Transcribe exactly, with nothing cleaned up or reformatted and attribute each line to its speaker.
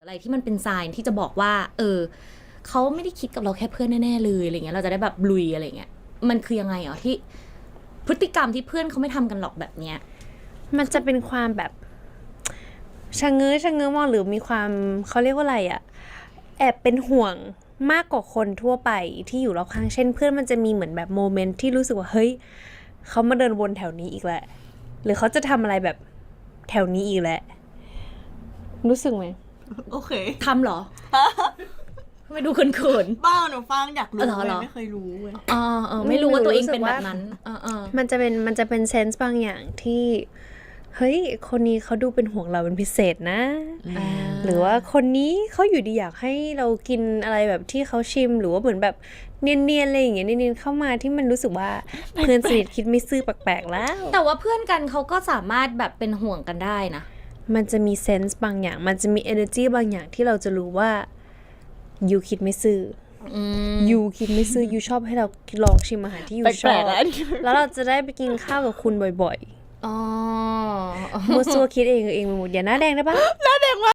Speaker 1: อะไรที่มันเป็นไซน์ที่จะบอกว่าเออเขาไม่ได้คิดกับเราแค่เพื่อนแน่ๆเลยอะไรเงี้ยเราจะได้แบบลุยอะไรเงี้ยมันคือยังไงอ๋อที่พฤติกรรมที่เพื่อนเขาไม่ทำกันหรอกแบบเนี้ย
Speaker 2: มันจะเป็นความแบบชะเง้อชะเง้อมองหรือมีความเขาเรียกว่าอะไรอะแอบเป็นห่วงมากกว่าคนทั่วไปที่อยู่รอบข้างเช่นเพื่อนมันจะมีเหมือนแบบโมเมนต์ที่รู้สึกว่าเฮ้ยเขามาเดินวนแถวนี้อีกแล้วหรือเขาจะทำอะไรแบบแถวนี้อีกแล้วรู้สึกไหม
Speaker 3: โอเค
Speaker 1: ทำเหรอ ไม่ดูเขิน
Speaker 3: บ้าหนูฟังอยากรู้
Speaker 1: เหรอเหรอ
Speaker 3: ไม่เคยรู้เว้ย
Speaker 1: ๆอ๋อเออไม่รู้ว่าตัวเองเป็นแบบนั้นเออเออ
Speaker 2: มันจะเป็นมันจะเป็นเซนส์บางอย่างที่เฮ้ยคนนี้เขาดูเป็นห่วงเราเป็นพิเศษนะ
Speaker 1: อ่า
Speaker 2: หรือว่าคนนี้เขาอยู่ดีอยากให้เรากินอะไรแบบที่เขาชิมหรือว่าเหมือนแบบเนียนๆอะไรอย่างเงี้ยเนียนๆเข้ามาที่มันรู้สึกว่าเพื่อนสนิทคิดไม่ซื่อแปลกๆแล้ว
Speaker 1: แต่ว่าเพื่อนกันเขาก็สามารถแบบเป็นห่วงกันได้นะ
Speaker 2: มันจะมีเซนส์บางอย่างมันจะมี energy บางอย่างที่เราจะรู้ว่ายูคิดไม่ซื่ออยูคิดไม่ซื่อยูชอบให้เราลองชิมอาหารที่ยูชอบแล้วเราจะได้ไปกินข้าวกับคุณบ่อย
Speaker 1: อ๋อ
Speaker 2: ๆมัวซัวคิดเองเองไปหมดอย่าหน้าแดงได้ปะ